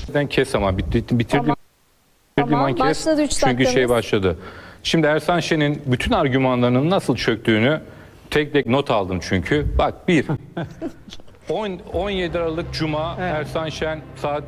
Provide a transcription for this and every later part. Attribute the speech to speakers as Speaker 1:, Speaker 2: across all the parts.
Speaker 1: Ben kes ama bitirdim.
Speaker 2: Tamam, başladı 3
Speaker 1: Çünkü
Speaker 2: dakikamız.
Speaker 1: başladı. Şimdi Ersan Şen'in bütün argümanlarının nasıl çöktüğünü tek tek not aldım çünkü. Bak 17 Aralık Cuma, evet. Ersan Şen saat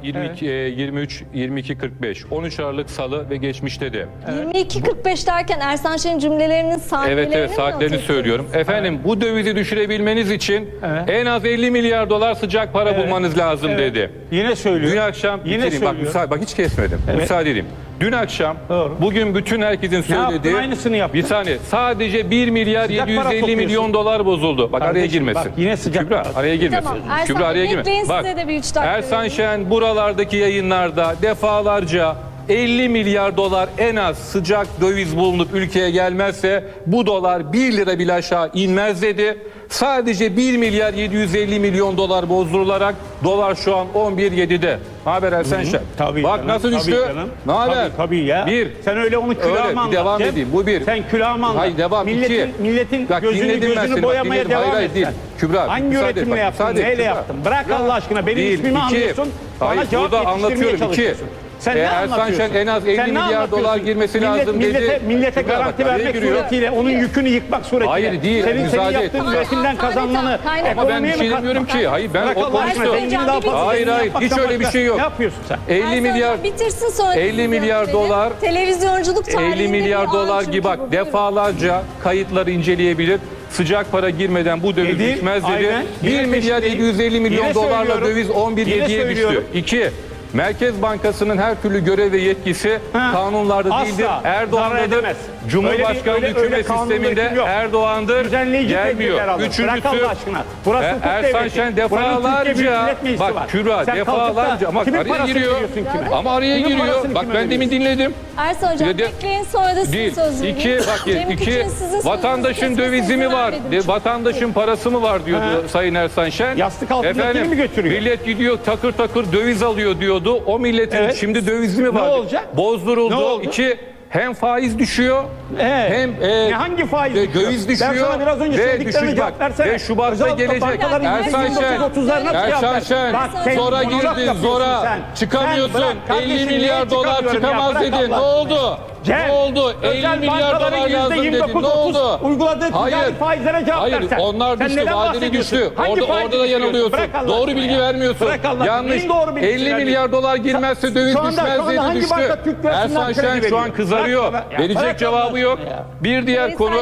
Speaker 1: 23:45. 13 Aralık Salı ve geçmişte de.
Speaker 2: Evet. 22:45 derken Ersan Şen'in cümlelerinin saatlerini
Speaker 1: Evet saatlerini söylüyorum. Efendim bu dövizi düşürebilmeniz için en az 50 milyar dolar sıcak para bulmanız lazım dedi.
Speaker 3: Yine söylüyor.
Speaker 1: Dün akşam bak hiç kesmedim. Müsaade edeyim. Dün akşam bugün bütün herkesin söylediği
Speaker 3: aynısını yaptın.
Speaker 1: Bir saniye sadece 1 milyar
Speaker 3: Sıcak
Speaker 1: 750 milyon dolar bozuldu. Bak
Speaker 3: kardeşim,
Speaker 1: araya girmesin.
Speaker 3: Bak, yine sıcak
Speaker 1: Kübra araya girmesin.
Speaker 2: Tamam, Ersan
Speaker 1: Kübra araya
Speaker 2: Bey,
Speaker 1: girmesin. Bak
Speaker 2: size de bir 3 dakika
Speaker 1: Ersan
Speaker 2: vereyim.
Speaker 1: Şen buralardaki yayınlarda defalarca 50 milyar dolar en az sıcak döviz bulunup ülkeye gelmezse bu dolar 1 lira bile aşağı inmez dedi. Sadece 1 milyar 750 milyon dolar bozdurularak dolar şu an 11.7'de. Ne haber Ersan Şen?
Speaker 3: Tabii
Speaker 1: Bak
Speaker 3: canım,
Speaker 1: nasıl düştü? Ne haber?
Speaker 3: Tabii ya.
Speaker 1: Bir.
Speaker 3: Sen öyle onu külahıma anlat.
Speaker 1: Devam edeyim. Bu bir.
Speaker 3: Sen külahıma anlat.
Speaker 1: Hayır devam.
Speaker 3: Milletin
Speaker 1: Bak,
Speaker 3: gözünü boyamaya devam et sen.
Speaker 1: Kübra,
Speaker 3: hangi üretimle yaptın? Neyle yaptın? Bırak Allah aşkına. Benim ismimi anlıyorsun. Bana cevap yetiştirmeye çalışıyorsun. Sen ne
Speaker 1: Ersan Şen en az 50 milyar dolar girmesi lazım dedi.
Speaker 3: Millete garanti vermek suretiyle onun yükünü yıkmak suretiyle.
Speaker 1: Hayır değil.
Speaker 3: Senin yaptığın üretimden kazanılanı
Speaker 1: ama ben bir şey demiyorum ki. Hayır ben o konuştum. Hayır hiç öyle bir şey yok.
Speaker 3: Ne yapıyorsun sen?
Speaker 1: 50 milyar
Speaker 2: bitirsin sonra
Speaker 1: 50 milyar dolar
Speaker 2: televizyonculuk tarihinde
Speaker 1: 50 milyar
Speaker 2: bir
Speaker 1: dolar
Speaker 2: an
Speaker 1: gibi bak
Speaker 2: çünkü bu.
Speaker 1: defalarca kayıtları inceleyebilir. Sıcak para girmeden bu döviz düşmez dedi.
Speaker 3: Aynen.
Speaker 1: 1 milyar 750 milyon dolarla döviz 11.7'ye düştü. 2. Merkez Bankası'nın her türlü görev ve yetkisi kanunlarda değildir. Erdoğan'dadır. Cumhurbaşkanlığı hükümet sisteminde Erdoğan'dır. Gelmiyor. Üçüncüsü Ersan Şen defalarca bak Kübra defalarca ama araya giriyor. Ama araya giriyor. Bak ben demin dinledim.
Speaker 2: Ersan Hocam bekleyin sonra da sizin söz vereyim.
Speaker 1: İki vatandaşın dövizi mi var? Vatandaşın parası mı var diyordu Sayın Ersan Şen.
Speaker 3: Yastık altındakini mi götürüyor?
Speaker 1: Millet gidiyor takır takır döviz alıyor diyordu. O milletin şimdi dövizi mi var?
Speaker 3: Ne olacak?
Speaker 1: Bozduruldu. 2 hem faiz düşüyor hem
Speaker 3: hangi faiz
Speaker 1: döviz düşüyor.
Speaker 3: Ben sana biraz önce söylediklerini cevap versene.
Speaker 1: Ve Şubat'ta gelecek. Ersan Şen zora girdin zora çıkamıyorsun. 50 milyar dolar çıkamaz dedin. Ne oldu? Ne oldu? 50 milyar dolar lazım dedin. Ne oldu?
Speaker 3: Uyguladığı ticari faizlere cevap versen.
Speaker 1: Hayır onlar düştü. Vadeli düştü. Orada da yanılıyorsun. Doğru bilgi vermiyorsun. Yanlış. 50 milyar dolar girmezse döviz düşmez dedi düştü. Ersan Şen şu an kızarıyor. Verecek cevabı yok. Bir diğer konu.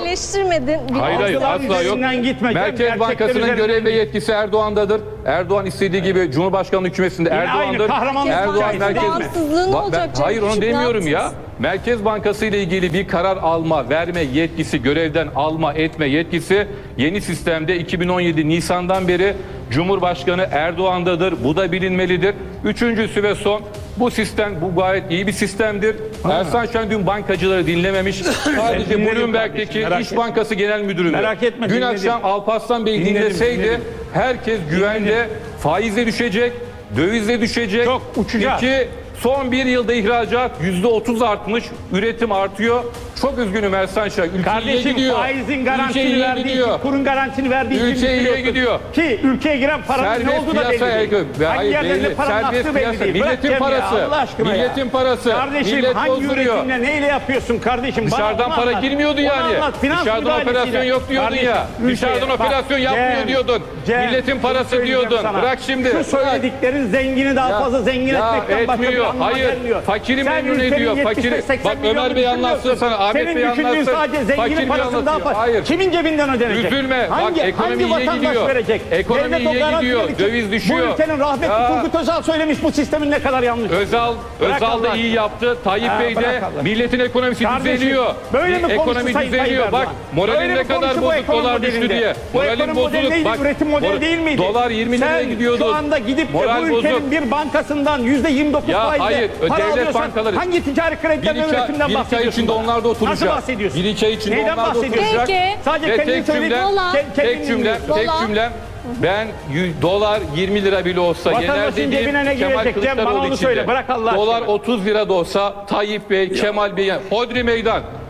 Speaker 1: Hayır asla yok. Merkez Bankası'nın görev ve yetkisi Erdoğan'dadır. Erdoğan istediği gibi Cumhurbaşkanlığı hükümetinde Erdoğan'dır. Erdoğan merkez. Hayır onu demiyorum ya. Merkez Bankası ile ilgili bir karar alma, verme yetkisi, görevden alma, etme yetkisi yeni sistemde 2017 Nisan'dan beri Cumhurbaşkanı Erdoğan'dadır. Bu da bilinmelidir. Üçüncüsü ve son, bu sistem gayet iyi bir sistemdir. Ersan Şen dün bankacıları dinlememiş. Sadece Bloomberg'deki İş Bankası Genel Müdürü'nü. Dün akşam Alparslan Bey dinleseydi herkes güvende, faizle düşecek, dövizle düşecek.
Speaker 3: Çok uçacak.
Speaker 1: Son bir yılda ihracat %30 artmış, üretim artıyor. Çok üzgünüm Ersan Şen. Ülke iyiye gidiyor.
Speaker 3: Faizin garantini verdiği için, kurun garantini verdiği için
Speaker 1: ülke iyiye gidiyor.
Speaker 3: Ki ülkeye giren paranın ne olduğu da belli değil. Hangi yerlerinde paranın aktığı belli değil.
Speaker 1: Milletin parası. Milletin parası.
Speaker 3: Kardeşim
Speaker 1: millet
Speaker 3: hangi
Speaker 1: bozduruyor.
Speaker 3: üretimle neyle yapıyorsun kardeşim?
Speaker 1: Dışarıdan para girmiyordu yani. Dışarıdan operasyon yok diyordun ya. Dışarıdan operasyon yapmıyor diyordun. Milletin parası diyordun. Bırak şimdi.
Speaker 3: Şu söylediklerin zengini daha fazla zengin etmekten başka bir anlama gelmiyor.
Speaker 1: Fakiri memnun ediyor. Fakiri. Bak Ömer Bey anlatsın sana. Ahmet Bey anlatsın.
Speaker 3: Senin sadece zenginin parasını daha fazla.
Speaker 1: Hayır.
Speaker 3: Kimin cebinden ödenecek?
Speaker 1: Üzülme. Bak ekonomi iyiye gidiyor.
Speaker 3: Verecek?
Speaker 1: Ekonomi iyiye gidiyor. Döviz düşüyor.
Speaker 3: Bu ülkenin rahmetli Turgut Özal söylemiş bu sistemin ne kadar yanlış.
Speaker 1: Özal da iyi yaptı. Tayyip Bey de milletin ekonomisi düzeliyor.
Speaker 3: Böyle mi
Speaker 1: ekonomi düzeliyor. Bak moralin ne kadar bozuk dolar düştü diye. Moralin bozuluk. Bak
Speaker 3: üretim modeli değil miydi?
Speaker 1: Dolar 20 liraya gidiyordu.
Speaker 3: Şu anda gidip de bu ülkenin bir bankasından %29 faizle para alıyorsan hangi ticari krediden üretimden bahsediyorsun?
Speaker 1: Bir ay içinde onlar da oturacak.
Speaker 3: Nasıl bahsediyorsun?
Speaker 1: Bir iki ay içinde
Speaker 3: neyden
Speaker 1: onlar da oturacak.
Speaker 3: Sadece kendin
Speaker 1: tek cümlem ben dolar 20 lira bile olsa yener dediğim Kemal Kılıçdaroğlu için de. Dolar 30 lira da olsa Tayyip Bey, Kemal Bey, hodri meydan.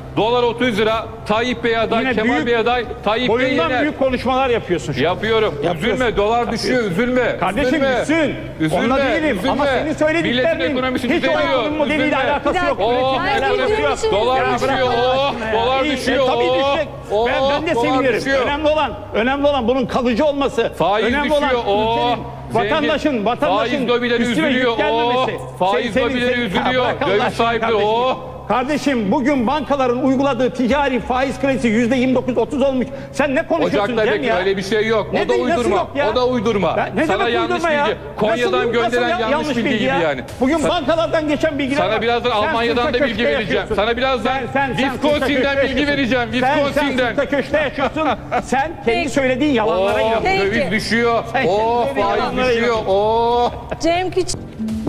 Speaker 1: Dolar 30 lira. Tayyip Bey aday,
Speaker 3: Yine
Speaker 1: Kemal
Speaker 3: büyük,
Speaker 1: Bey aday. Tayyip Bey
Speaker 3: boyundan
Speaker 1: yener.
Speaker 3: büyük konuşmalar yapıyorsun şu an.
Speaker 1: Yapıyorum. Üzülme. Dolar düşüyor. Üzülme.
Speaker 3: Kardeşim
Speaker 1: üzülme.
Speaker 3: düşsün.
Speaker 1: Üzülme.
Speaker 3: Onunla değilim.
Speaker 1: Üzülme.
Speaker 3: Ama senin
Speaker 1: Milletin
Speaker 3: söylediklerinin
Speaker 1: ekonomisi
Speaker 3: hiç o
Speaker 1: düzeliyor.
Speaker 3: ekonomi modeliyle
Speaker 1: Üzülme.
Speaker 3: alakası yok.
Speaker 1: Oh,
Speaker 3: Üretimle alakası yok.
Speaker 1: dolar
Speaker 3: Ya
Speaker 1: düşüyor.
Speaker 3: bırak Allah
Speaker 1: Oh,
Speaker 3: aşkına ya.
Speaker 1: dolar
Speaker 3: İyi,
Speaker 1: düşüyor.
Speaker 3: tabii
Speaker 1: Oh,
Speaker 3: düşecek.
Speaker 1: oh,
Speaker 3: Ben de
Speaker 1: dolar
Speaker 3: sevinirim.
Speaker 1: düşüyor.
Speaker 3: Önemli olan bunun kalıcı olması.
Speaker 1: Faiz
Speaker 3: önemli
Speaker 1: düşüyor.
Speaker 3: olan
Speaker 1: Oh,
Speaker 3: vatandaşın
Speaker 1: faiz lobileri
Speaker 3: üstüne
Speaker 1: üzülüyor.
Speaker 3: yüklenmemesi.
Speaker 1: Oh, faiz lobileri üzülüyor.
Speaker 3: Ya bırak Allah
Speaker 1: Döviz
Speaker 3: aşkına
Speaker 1: sahipleri.
Speaker 3: kardeşim.
Speaker 1: Oh.
Speaker 3: Kardeşim bugün bankaların uyguladığı ticari faiz kredisi %29-30 olmuş. Sen ne konuşuyorsun
Speaker 1: Ocak'ta
Speaker 3: Cem
Speaker 1: bekle
Speaker 3: ya?
Speaker 1: öyle bir şey yok.
Speaker 3: Ne
Speaker 1: o da
Speaker 3: değil, nasıl
Speaker 1: uydurma.
Speaker 3: yok ya?
Speaker 1: O da uydurma.
Speaker 3: Ne
Speaker 1: Sana
Speaker 3: demek
Speaker 1: yanlış
Speaker 3: uydurma ya?
Speaker 1: bilgi. Konya'dan gönderen yanlış bilgi gibi
Speaker 3: ya?
Speaker 1: yani.
Speaker 3: Bugün bankalardan geçen bilgiler
Speaker 1: Sana
Speaker 3: var.
Speaker 1: birazdan
Speaker 3: Sen
Speaker 1: Almanya'dan
Speaker 3: sırta
Speaker 1: da bilgi
Speaker 3: köşkte
Speaker 1: vereceğim.
Speaker 3: yaşıyorsun.
Speaker 1: Sana birazdan
Speaker 3: Sen
Speaker 1: Wisconsin'den
Speaker 3: sırta
Speaker 1: bilgi
Speaker 3: köşkte
Speaker 1: vereceğim.
Speaker 3: Sen
Speaker 1: Wisconsin'den.
Speaker 3: sırta köşkte yaşıyorsun. Sen kendi söylediğin yalanlara
Speaker 1: Oh,
Speaker 3: inanıyorsun.
Speaker 2: Peki.
Speaker 1: döviz düşüyor.
Speaker 3: Sen
Speaker 1: Oh,
Speaker 3: kendi
Speaker 1: faiz
Speaker 3: yalanlara
Speaker 1: düşüyor.
Speaker 3: inanıyorsun.
Speaker 1: Oh.
Speaker 2: Cem Küçük